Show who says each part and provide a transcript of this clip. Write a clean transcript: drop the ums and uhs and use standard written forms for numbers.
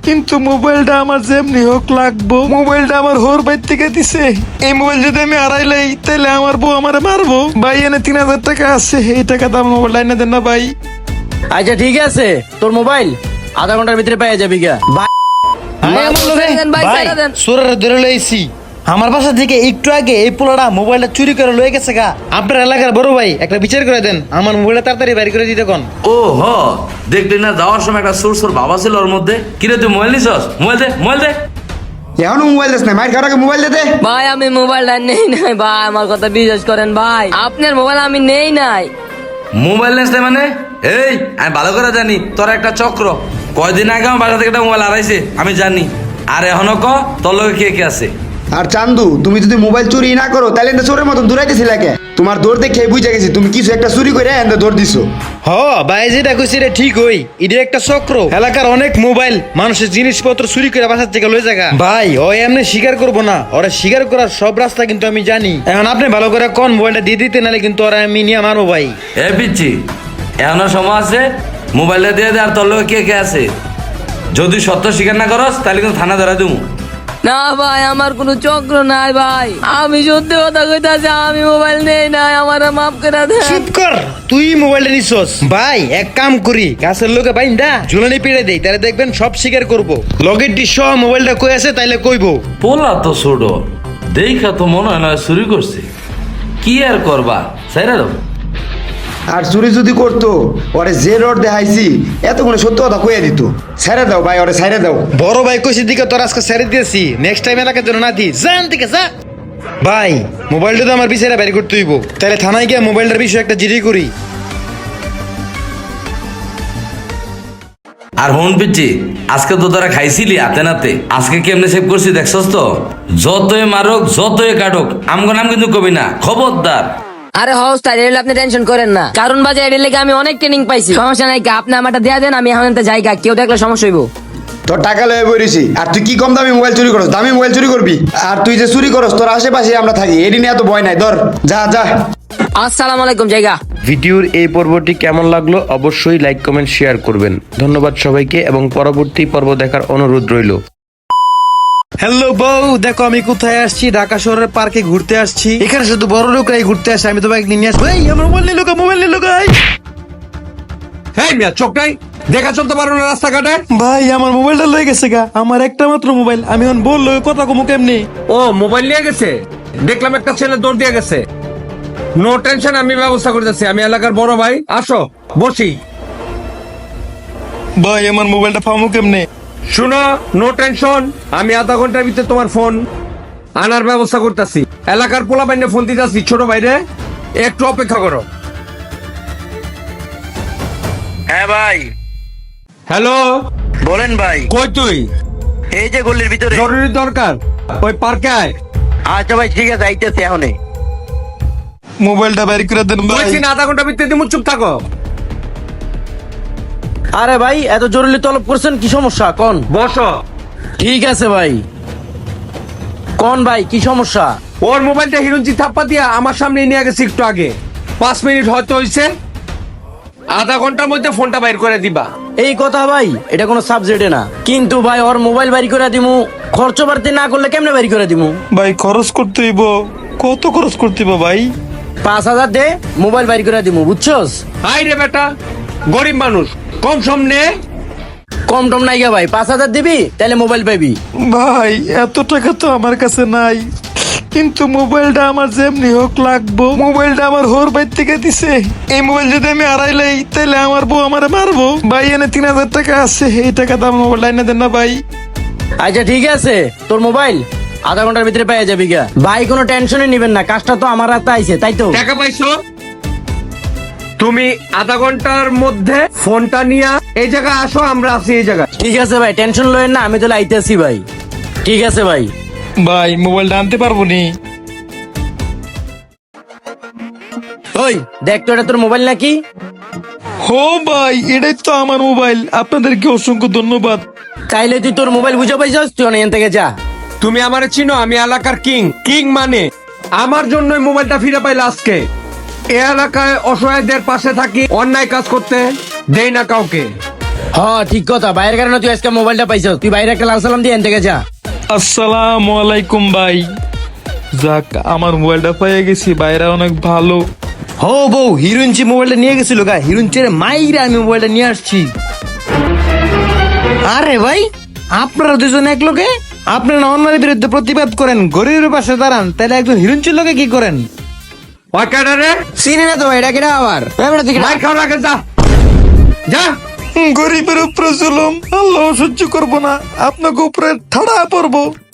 Speaker 1: কিন্তু মোবাইলটা আমার যেমনি হোক লাগবো। মোবাইলটা আমার হোর বাইর থেকে দিছে। এই মোবাইল যদি আমি হারাইলাই তাহলে আমার বউ আমারে মারবো। ভাই এনে 3000 টাকা আছে, এই টাকা তো আমার মোবাইলটা এনে দেন না ভাই।
Speaker 2: আচ্ছা ঠিক আছে, তোর মোবাইল আধা ঘন্টার ভিতরে পেয়ে যাবি গা।
Speaker 3: সোরের ধরে লইছি আমার বাসা থেকে একটু আগে এই পোলাটা মোবাইলটা চুরি করে লয়ে গেছে গা। আপনার এলাকার বড় ভাই একটা বিচার করে দেন, আমার মোবাইলটা তাড়াতাড়ি বাইর করে দিতে কোন।
Speaker 4: ও হ, দেখলি না যাওয়ার সময় একটা সুর বাবা ছিল ওর মধ্যে। কিরে তুই মোবাইল নিছস? মোবাইল দে, মোবাইল দে।
Speaker 5: এখনো মোবাইল দিস না, মাইর খাওয়ার আগে মোবাইল দে।
Speaker 2: ভাই আমি মোবাইলটা নেই নাই ভাই, আমার কথা বিশ্বাস করেন ভাই, আপনার মোবাইল আমি নেই নাই।
Speaker 4: মোবাইল নিস না মানে? এই আমি ভালো করে জানি তোর একটা চক্র। কয়দিন আগে আমার বাসা থেকে একটা মোবাইল হারাইছে আমি জানি। আর এখনো ক তোর লগে কে কে আছে?
Speaker 5: আর চান্দু, তুমি যদি মোবাইল চুরি না করো তাহলে এনতে চোরের মতন দৌড়াইতেছিলে কে? তোমার দৌড় দেখে বুঝে গেছি তুমি কিছু একটা চুরি করে এনতে দৌড় দিছো।
Speaker 3: হ ভাই যেটা কইছি রে ঠিক হই, এটা একটা চক্র। এলাকার অনেক মোবাইল মানুষের জিনিসপত্র চুরি করে বাসার থেকে লয়ে জায়গা। ভাই ও এমনি স্বীকার করবো না, ওরা স্বীকার করার সব রাস্তা কিন্তু আমি জানি। এখন আপনি ভালো করে কোন মোবাইলটা দিয়ে দিতে, নাহলে কিন্তু ওরা আমি নিয়ে মারবো ভাই।
Speaker 4: এ পিচ্ছি, এখনো সময় আছে, মোবাইলটা দিয়ে দে। আর তোর লগে কে কে আছে? যদি সত্য স্বীকার না করস তাহলে কিন্তু থানা ধরা দেবো।
Speaker 2: না ভাই আমার কোনো চক্র নাই ভাই, আমি সত্যি কথা কইতাছি, আমি মোবাইল নেই নাই, আমার মাফ করে দেন।
Speaker 3: চুপ কর, তুই মোবাইলটা নিছস। ভাই এক কাম করি, গাছের লোকে বাইন্দা ঝুলানি পেড়ে দেই, তাহলে দেখবেন সব স্বীকার করবো। লগের ডিশ মোবাইলটা কই আছে তাইলে কইবো।
Speaker 4: পোলা তো ছোট, দেখা তো মনে হয় না চুরি করছে। কি আর করবা, সাইরা দাও।
Speaker 5: আর চুরি যদি করতো ওরে যে রড দেখাইছি এতক্ষণে সত্য কথা কইয়া দিত। ছেড়ে দাও ভাই, ওরে ছেড়ে দাও।
Speaker 3: বড় ভাই কইছি দিকে তোর আজকে ছেড়ে দিয়েছি, নেক্সট টাইম এলাকার জন্য না দি জান থেকে যা। ভাই মোবাইলটা তো আমার বিষয়টা বের করতে হইব, তাহলে থানায় গিয়ে মোবাইলটার বিষয়ে একটা জিডি করি।
Speaker 4: আর হন পিচ্ছি, আজকে তো তোরা খাইছিলি হাতে নাতে, আজকে কেমনে সেভ করছি দেখছস তো? যতই মারুক যতই কাটুক আমগো নাম কিন্তু কবি না, খবরদার।
Speaker 2: আরে হাউস তাই এলে আপনি টেনশন করেন না, কারণ বাজে এর লেগে আমি অনেক ট্রেনিং পাইছি। সমস্যা নাই, আপনি আমারটা দেয়া দেন, আমি এখন জায়গা কেউ দেখলে সমস্যা হইব।
Speaker 5: তোর টাকা লয়ে বইছি, আর তুই কি কম দামি মোবাইল চুরি করস? দামি মোবাইল চুরি করবি? আর তুই যে চুরি করস তোর আশেপাশে আমরা থাকি, এটি নিয়ে এত ভয় নাই। ধর যা যা।
Speaker 2: আসসালামু আলাইকুম জায়গা।
Speaker 6: ভিডিওর এই পর্বটি কেমন লাগলো অবশ্যই লাইক কমেন্ট শেয়ার করবেন। ধন্যবাদ সবাইকে এবং পরবর্তী পর্ব দেখার অনুরোধ রইল।
Speaker 3: হ্যালো বউ, দেখো আমি কোথায় আসছি, ঢাকা শহরের পার্কে ঘুরতে আসছি। এখানে শুধু বড় লোকরাই ঘুরতে আসে, আমি তো বাইক নিয়ে আসবো। এই আমার মোবাইল নিয়ে লোকা, মোবাইল নিয়ে লোকা।
Speaker 7: এই মিয়া চোখ নাই, দেখা চলতে পারো না রাস্তাঘাটে?
Speaker 1: ভাই আমার মোবাইলটা লয়ে গেছে গা, আমার একটা মাত্র মোবাইল, আমি এখন বললো কথা কমু কেমনি?
Speaker 7: ও মোবাইল নিয়ে গেছে, দেখলাম একটা ছেলে দৌড় দিয়ে গেছে। নো টেনশন, আমি ব্যবস্থা করতেছি, আমি এলাকার বড় ভাই। আসো বসি।
Speaker 1: ভাই আমার মোবাইলটা পামু কেমনে?
Speaker 7: শুনো, নো টেনশন, আমি আধা ঘন্টার ভিতরে তোমার ফোন আনার ব্যবস্থা করতেছি। এলাকার পোলা বাইনে ফোন দিতেছি, ছোট ভাইরে একটু অপেক্ষা করো।
Speaker 3: হ্যাঁ ভাই
Speaker 7: হ্যালো,
Speaker 3: বলেন ভাই।
Speaker 7: কই তুই?
Speaker 3: এই যে গলির ভিতরে।
Speaker 7: জরুরি দরকার, ওই পার্কে আয়।
Speaker 3: আচ্ছা ভাই ঠিক আছে, আইতেছি এখনই।
Speaker 1: মোবাইলটা বের করে দেন ভাই।
Speaker 7: বলছি না, আধা ঘন্টার ভিতরে দিমু, চুপ থাকো।
Speaker 2: আরে ভাই এত জরুরি তলব করছেন, কি সমস্যা কোন?
Speaker 7: বসো।
Speaker 2: ঠিক আছে ভাই, কোন ভাই কি সমস্যা?
Speaker 7: ওর মোবাইলটা হিরুঞ্জি থাপ্পা দিয়া আমার সামনে নিয়ে গেছে একটু আগে। 5 মিনিট হয়তো হয়েছে, আধা ঘন্টার মধ্যে ফোনটা বাইর করে দিবা।
Speaker 2: এই কথা ভাই, এটা কোনো সাবজেক্টে না। কিন্তু ভাই ওর মোবাইল বাড়ি করে দিমু, খরচ বাড়তি না করলে কেমনে বাড়ি করে দিমু?
Speaker 1: ভাই খরচ করতে হইব, কত খরচ করতে হইব ভাই?
Speaker 2: 5000 দে, মোবাইল বাড়ি করে দিমু, বুঝছস?
Speaker 7: হাই রে বেটা, গরিব মানুষ, কম সম নে।
Speaker 2: কম টম নাই গা ভাই, 5000 দিবি তাহলে মোবাইল পাবি।
Speaker 1: ভাই এত টাকা তো আমার কাছে নাই, কিন্তু মোবাইলটা আমার যেমনি হোক লাগবো। মোবাইলটা আমার হোর বাইর থেকে দিছে। এই মোবাইল যদি আমি হারাইলাই তাহলে আমার বউ আমারে মারবো। ভাই এনে 3000 টাকা আছে, এই টাকা তো আমার মোবাইলটা এনে দেন না ভাই।
Speaker 2: আচ্ছা ঠিক আছে, তোর মোবাইল আধা ঘন্টার ভিতরে পেয়ে যাবি গা। ভাই কোনো টেনশনই নিবেন না, কাজটা তো আমার হাতে আইছে, তাই তো?
Speaker 7: টাকা পাইছো? তুমি আধা ঘন্টার মধ্যে ফোনটা নিয়ে এই জায়গায় আসো, আমরা আছি এই জায়গায়।
Speaker 2: ঠিক আছে ভাই, টেনশন লয়েন না, আমি তাহলে আইতেছি ভাই। ঠিক আছে ভাই।
Speaker 1: ভাই মোবাইলটা আনতে পারবো নি?
Speaker 2: ওই দেখ তো, এটা তোর মোবাইল নাকি?
Speaker 1: হো ভাই এটাই তো আমার মোবাইল, আপনাদেরকে অসংখ্য ধন্যবাদ।
Speaker 2: তাইলে তুই তোর মোবাইল বুঝে পাইছস, তুই এখান থেকে যা।
Speaker 7: তুমি আমারে চিনো, আমি এলাকার কিং। কিং মানে আমার জন্যই মোবাইলটা ফিরে পাইলে আজকে। এ এলাকায় অসহায়দের পাশে থাকি, অন্যায় কাজ করতে দেই না কাউকে।
Speaker 8: হ্যাঁ ঠিক কথা, বাইরের কারণে তুই আজকে মোবাইলটা পাইছ। তুই বাইরে একটা লাল সালাম দিয়ে এন থেকে যা।
Speaker 1: আসসালামু আলাইকুম ভাই। যাক, আমার মোবাইলটা পেয়ে গেছি, বাইরে অনেক ভালো।
Speaker 8: হো বউ, হিরোইনচি মোবাইলটা নিয়ে গেছিল গা, হিরোইনচির মাইরা আমি মোবাইলটা নিয়ে আসছি। আরে ভাই, আপনারা দুজন এক লোকে, আপনারা অন্যের বিরুদ্ধে প্রতিবাদ করেন, গরিবের পাশে দাঁড়ান, তাহলে একজন হিরোইনচির লোকে কি করেন?
Speaker 7: ওই কেডা রে?
Speaker 8: চিনি না তো ভাই, এটা কেডা আবার?
Speaker 7: মাইর খাওয়া লাগে, যা যা।
Speaker 1: গরিবের উপরে জুলুম আল্লাহ সহ্য করবো না, আপনাকে উপরে ঠাড়া পড়বো।